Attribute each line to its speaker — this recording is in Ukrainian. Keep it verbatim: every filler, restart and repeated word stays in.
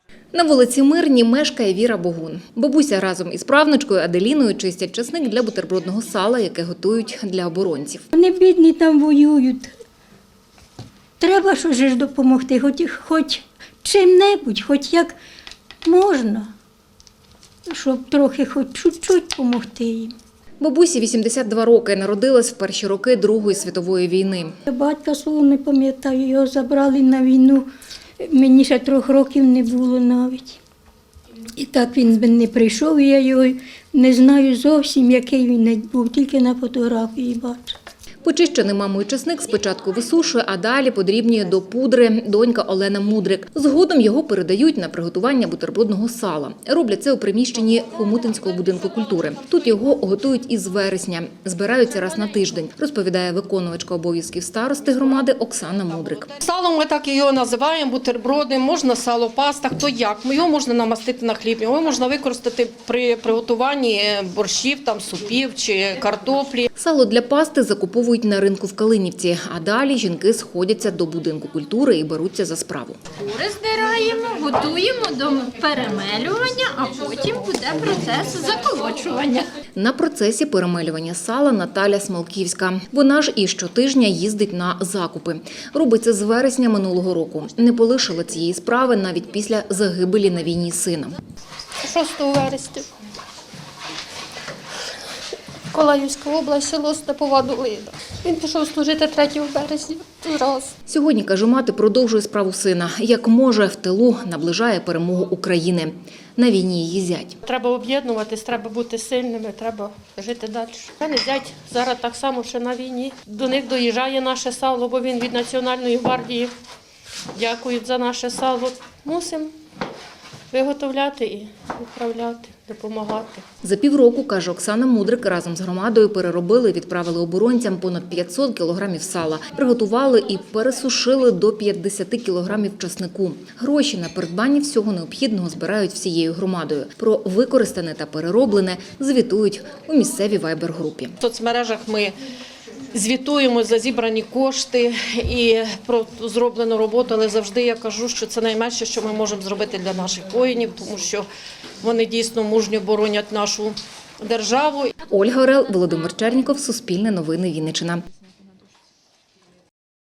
Speaker 1: На вулиці Мирній мешкає Віра Богун. Бабуся разом із правнучкою Аделіною чистять часник для бутербродного сала, яке готують для оборонців.
Speaker 2: Вони бідні там воюють. Треба що ж допомогти, хоч, хоч чим-небудь, хоч як можна, щоб трохи хоч чуть-чуть допомогти їм.
Speaker 1: Бабусі вісімдесят два роки, народилась в перші роки Другої світової війни.
Speaker 2: Батька свого не пам'ятаю, його забрали на війну, мені ще трьох років не було навіть. І так він би не прийшов, і я його не знаю зовсім, який він був, тільки на фотографії бачу.
Speaker 1: Почищений мамою часник спочатку висушує, а далі подрібнює до пудри донька Олена Мудрик. Згодом його передають на приготування бутербродного сала. Роблять це у приміщенні Хомутинського будинку культури. Тут його готують із вересня. Збираються раз на тиждень, розповідає виконувачка обов'язків старости громади Оксана Мудрик.
Speaker 3: Салом ми так його називаємо, бутерброди, можна сало в пастах, то як. Його можна намастити на хліб, його можна використати при приготуванні борщів, там, супів чи картоплі.
Speaker 1: Сало для пасти закуповують на ринку в Калинівці, а далі жінки сходяться до будинку культури і беруться за справу.
Speaker 4: Кури здираємо, готуємо до перемелювання, а потім буде процес заколочування.
Speaker 1: На процесі перемелювання сала Наталя Смолківська. Вона ж і щотижня їздить на закупи. Робить це з вересня минулого року. Не полишила цієї справи навіть після загибелі на війні сина.
Speaker 3: шостого вересня. Колаївська область, село Степова Долина. Він пішов служити третього березня. Зразу.
Speaker 1: Сьогодні, каже мати, продовжує справу сина. Як може, в тилу наближає перемогу України. На війні її зять.
Speaker 3: Треба об'єднуватись, треба бути сильними, треба жити далі. У мене зять зараз так само, що на війні. До них доїжджає наше сало, бо він від Національної гвардії. Дякують за наше сало. Мусимо виготовляти і відправляти, допомагати.
Speaker 1: За півроку, каже Оксана Мудрик, разом з громадою переробили і відправили оборонцям понад п'ятсот кілограмів сала. Приготували і пересушили до п'ятдесят кілограмів часнику. Гроші на придбання всього необхідного збирають всією громадою. Про використане та перероблене звітують у місцевій вайбер-групі.
Speaker 3: В соцмережах ми звітуємо за зібрані кошти і про зроблену роботу, але завжди я кажу, що це найменше, що ми можемо зробити для наших воїнів, тому що вони дійсно мужньо боронять нашу державу.
Speaker 1: Ольга Орел, Володимир Черніков, Суспільне новини, Вінниччина.